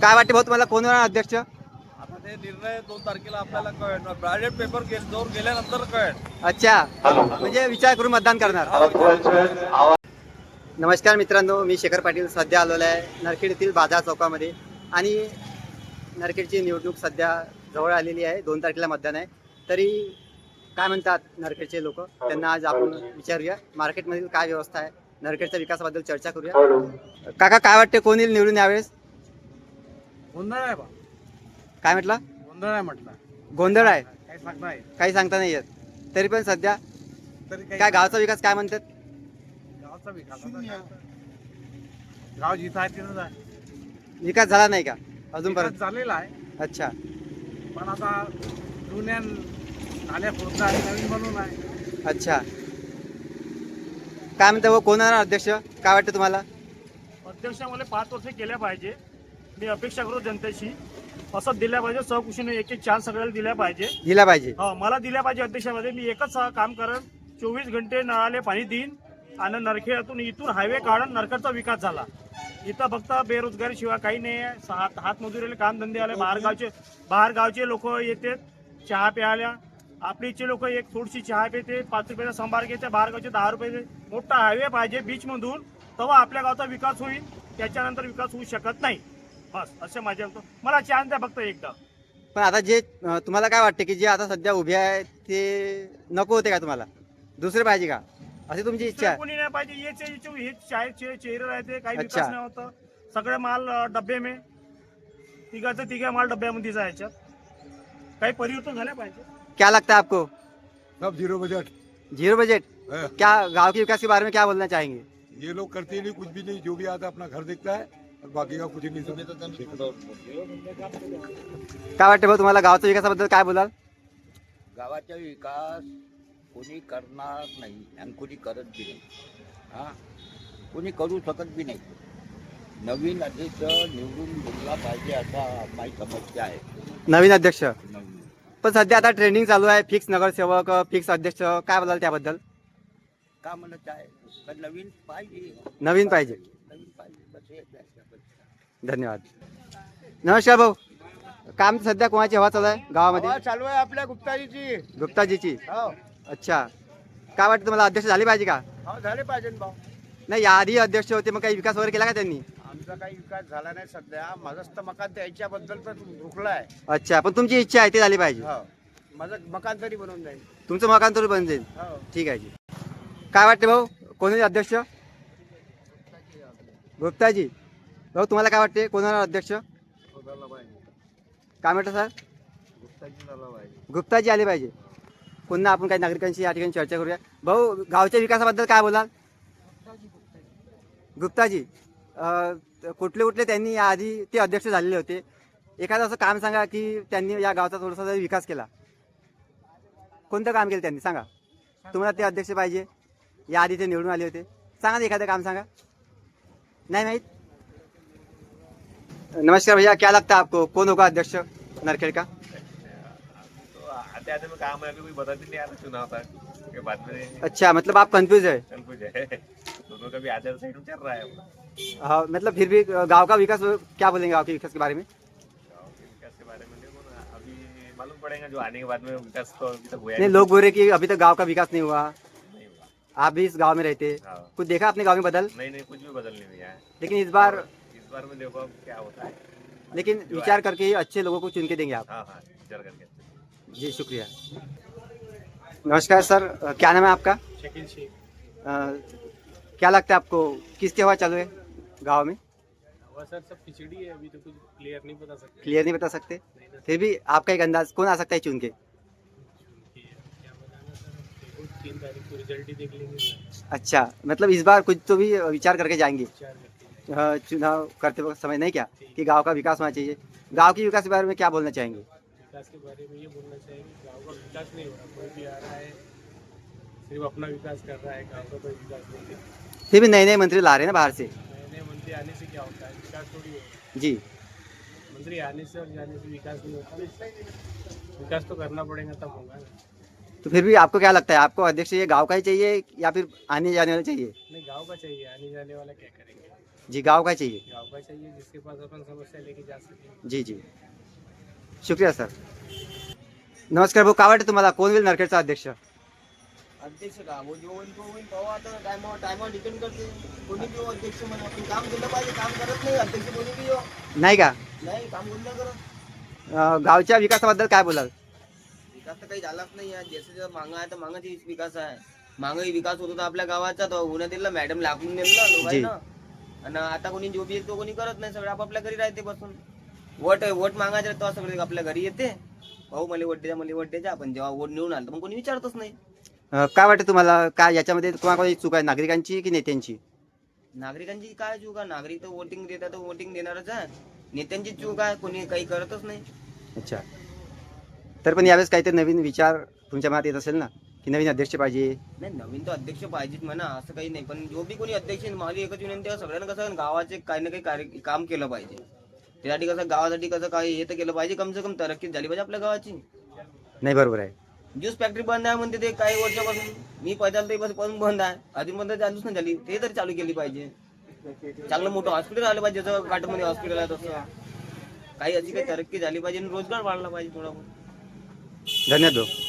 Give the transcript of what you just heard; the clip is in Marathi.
काय वाटते भाऊ तुम्हाला कोण होणार अध्यक्ष? आता ते निर्णय 2 तारखेला आपल्याला कळेल. बॅलेट पेपर जोर गेल्यानंतर कळेल. अच्छा, म्हणजे विचार करून मतदान करणार. नमस्कार मित्रांनो, मी शेखर पाटील सध्या आलेलो आहे नरखेड येथील बाजार चौकामध्ये. आणि नरखेडची निवडणूक सध्या जवळ आलेली आहे. 2 तारखेला मतदान आहे. तरी काय म्हणतात नरखेडचे लोक, त्यांना आज आपण विचारूया. मार्केटमधील काय व्यवस्था आहे, नरखेडच्या विकासाबद्दल चर्चा करूया. काका काय वाटते, कोण येईल निवडून यावेळेस? गोंधळ आहे बा. काय म्हटलं? गोंधळ आहे म्हटलं. गोंधळ आहे, काही सांगता नाही. काही सांगता नाही येत. तरी पण सध्या तरी काय गावचा विकास काय म्हणतात? गावचा विकास गाव जिथं आहे तिथंच आहे. विकास झाला नाही का अजूनपर्यंत? विकास झालेला आहे, अच्छा, पण आता जुन्या नाल्या फोडणं आहे, नवीन बनवून आहे. अच्छा. काय म्हणता, कोण होणार अध्यक्ष? काय वाटतं तुम्हाला? अध्यक्षामध्ये 5 वर्ष केल्या पाहिजे. मी अपेक्षा करू जनतेशी असं दिल्या पाहिजे. सहकुशीने एक चान्स सगळ्याला दिल्या पाहिजे. दिला पाहिजे. मला दिल्या पाहिजे अध्यक्षामध्ये. मी एकच काम करेन, 24 घंटे नळाले पाणी देईन आणि नरखेडातून इथून हायवे काढून नरखेडचा विकास झाला. इथं फक्त बेरोजगारी शिवाय काही नाही आहे. हातमजुरीला काम धंदे आले. बाहेर गावचे लोक येतात चहा प्यायला. आपलीचे लोक एक थोडीशी चहा पिते, 5 रुपयाचा संभार घेते. बाहेर गावचे 10 रुपये. मोठा हायवे पाहिजे बीच मधून, तेव्हा आपल्या गावचा विकास होईल. त्याच्यानंतर विकास होऊ शकत नाही. बस असे माझे मला चान्स द्या फक्त एकदा. पण आता जे तुम्हाला काय वाटते की जे आता सध्या उभे आहे ते नको होते का तुम्हाला? दुसरे पाहिजे का, अशी तुमची इच्छा आहे? कोणी नाही पाहिजे. हेच चेहरे राहते, काही अच्छा. विकास नाही होतं. सगळे माल डब्बे में, तिघा माल डब्यामध्ये जायच्यात. काही परिवर्तन झाले पाहिजे. क्या लगता है आपको? सब जीरो बजट जीरो बजट? है। क्या गांव के विकास के बारे में क्या बोलना चाहेंगे? ये लोग करते ही नहीं, कुछ भी नहीं, जो भी आता है अपना घर देखता है और बाकी का कुछ ही नहीं समझता। काय वाटते भाऊ तुम्हाला, गावच्या विकासाबद्दल काय बोलाल? गावाचा विकास कोणी करणार नाही आणि कोणी करत बी नाही. हां, कोणी करू शकत बी नाही. नवीन अध्यक्ष निवडून दिला पाहिजे असा माझी समस्या आहे. नवीन अध्यक्ष? नवीन पण सध्या आता ट्रेंडिंग चालू आहे, फिक्स नगरसेवक, फिक्स अध्यक्ष. काय बोलाल त्याबद्दल? का म्हणत आहे, पण नवीन पाहिजे. नवीन पाहिजे. नवीन पाहिजे बस हेच आहे. धन्यवाद. नमस्कार भाऊ, काम सध्या कोणाची हवा चालू आहे गावामध्ये? चालू आहे आपल्या गुप्ताजीची. गुप्ताजीची? हो, अच्छा. काय वाटतं तुम्हाला, अध्यक्ष झाले पाहिजे का? हो झाले पाहिजे ना भाऊ. नाही, याआधी अध्यक्ष होते, मग काही विकास वगैरे केला का त्यांनी? आमचा काही विकास झाला नाही सध्या. माझंच तर मकान त्याच्याबद्दल तर रुकला आहे. अच्छा, पण तुमची इच्छा आहे ते झाली पाहिजे. हो, माझं मकान तरी बनवून जाईल. तुमचं मकान तर बन जाईल. हो. ठीक आहे जी. काय वाटते भाऊ, कोणी अध्यक्ष? गुप्ताजी. भाऊ तुम्हाला काय वाटते, कोण होणार अध्यक्ष? काय म्हटलं सर? गुप्ताजी आले पाहिजे. पुन्हा आपण काही नागरिकांशी या ठिकाणी चर्चा करूया. भाऊ, गावच्या विकासाबद्दल काय बोलाल? गुप्ताजी, कुठले कुठले त्यांनी याआधी ते अध्यक्ष झालेले होते, एखादं असं काम सांगा की त्यांनी या गावचा थोडासा विकास केला. कोणतं काम केलं त्यांनी सांगा. तुम्हाला ते अध्यक्ष पाहिजे, याआधी ते निवडून आले होते. सांगा ना एखादं काम सांगा. नहीं माहित? नमस्कार भैया, क्या लगता है आपको, कौन होगा अध्यक्ष नरखेड़ का? तो आते आते में काम है, अभी कोई बता भी नहीं आ रहा चुनाव तक के बाद में। अच्छा, मतलब आप कंफ्यूज है? कुछ है दोनों का भी आदर साइड में चल रहा है। हाँ, मतलब फिर भी गांव का विकास, क्या बोलेंगे गांव के विकास के बारे में? गाँव के विकास के बारे में देखो ना, अभी मालूम पड़ेगा जो आने के बाद में विकास तो अभी तक हुआ नहीं, लोग बोल रहे कि अभी तक गांव का विकास नहीं हुआ. नहीं हुआ। आप भी इस गांव में रहते, हाँ। कुछ देखा अपने गांव में बदल? नहीं कुछ भी बदल नहीं हुआ है। लेकिन इस बार में देखो अब क्या होता है। लेकिन विचार करके ही अच्छे लोगों को चुन के देंगे आप. हाँ विचार करके। जी शुक्रिया. नमस्कार सर, क्या नाम है आपका? शकील शेख. क्या लगता है आपको, किसकी हवा चालू है गाँव में? सर सब खिचड़ी है, अभी तो कुछ क्लियर नहीं बता सकते. क्लियर नहीं बता सकते, फिर भी आपका एक अंदाज, कौन आ सकता है चुन के? क्या बताना सर, 3 तारीख को रिजल्ट ही देख लेंगे सर. अच्छा, मतलब इस बार कुछ तो भी विचार करके जाएंगे. विचार करके जाएंगे. चुनाव करते वक्त समझ नहीं क्या कि गांव का विकास होना चाहिए. गांव के विकास के बारे में क्या बोलना चाहेंगे? विकास के बारे में ये बोलना चाहिए, गाँव का विकास नहीं हो रहा. कोई भी आ रहा है सिर्फ अपना विकास कर रहा है, गाँव का कोई विकास नहीं है. फिर भी नए नए मंत्री ला रहे हैं ना बाहर से. नए नए मंत्री आने से क्या होता है, विकास थोड़ी हो रहा है. जी, मंत्री आने से और जाने से विकास नहीं होता ना. विकास तो करना पड़ेगा तब होगा ना. तो फिर भी आपको क्या लगता है, आपको अध्यक्ष ये गांव का ही चाहिए या फिर आने जाने वाला चाहिए? नहीं, गांव का चाहिए, आने जाने वाला क्या करेंगे. जी, गाँव का चाहिए? गाँव का चाहिए जिसके पास अपन समस्या लेके जा सके. जी जी, शुक्रिया सर. नमस्कार भाऊ, काय वाटतं तुम्हाला कोण होईल नरखेडचा अध्यक्ष? अध्यक्ष का वो जो होईल तो होईल पाहू आता टायमावर डिपेंड करते कोणी बी हो अध्यक्ष म्हणा पण काम केलं पाहिजे काम करत नाही अध्यक्ष कोणी बी हो नाही का? नाही काम कोणी नाही करत गावच्या विकासाबद्दल काय बोलाल? विकास तर काही झालाच नाही आहे जसं मागं आहे तर मागाची विकास आहे मागही विकास होत होता आपल्या गावाचा तो होण्यात दिला मॅडम लागून दिलं लोकांना आणि आता कोणी जो बी येतो कोणी करत नाही सगळं आपापल्या घरी राहते बसून वोट मागायचे तेव्हा सगळे आपल्या घरी येते भाऊ मला वोट द्यायचा आपण जेव्हा वोट निवडून आलं तर मग कोणी विचारतच नाही काय वाटतं तुम्हाला, काय याच्यामध्ये कोणाकोणाची चूक आहे, नागरिकांची की नेत्यांची? नागरिकांची काय चूक आहे नागरिक तर वोटिंग देतात तर वोटिंग देणारच आहे नेत्यांची चूक आहे कोणी काही करतच नाही अच्छा, तर पण यावेळेस काहीतरी नवीन विचार तुमच्या मनात येत असेल ना, की नवीन अध्यक्ष पाहिजे? नाही नवीन तो अध्यक्ष पाहिजेच म्हणा असं काही नाही पण जो बी कोणी अध्यक्ष आहे, माझी एकच विनंती आहे सगळ्यांना कसं गावाचे काही ना काही काम केलं पाहिजे त्यासाठी कसं गावासाठी कसं काही हे तर केलं पाहिजे कम से कम तरक्की झाली पाहिजे आपल्या गावाची नाही, बरोबर आहे. ज्यूस फॅक्टरी बंद आहे म्हणते ते काही वर्षापासून मी पैदल ते पासून बंद आहे अजून बंद चालूच नाही झाली ते तरी चालू केली पाहिजे चांगलं मोठं हॉस्पिटल आलं पाहिजे जसं घाटमध्ये हॉस्पिटल आहे तसं काही अशी काही तरक्की झाली पाहिजे आणि रोजगार वाढला पाहिजे थोडा धन्यवाद भाऊ.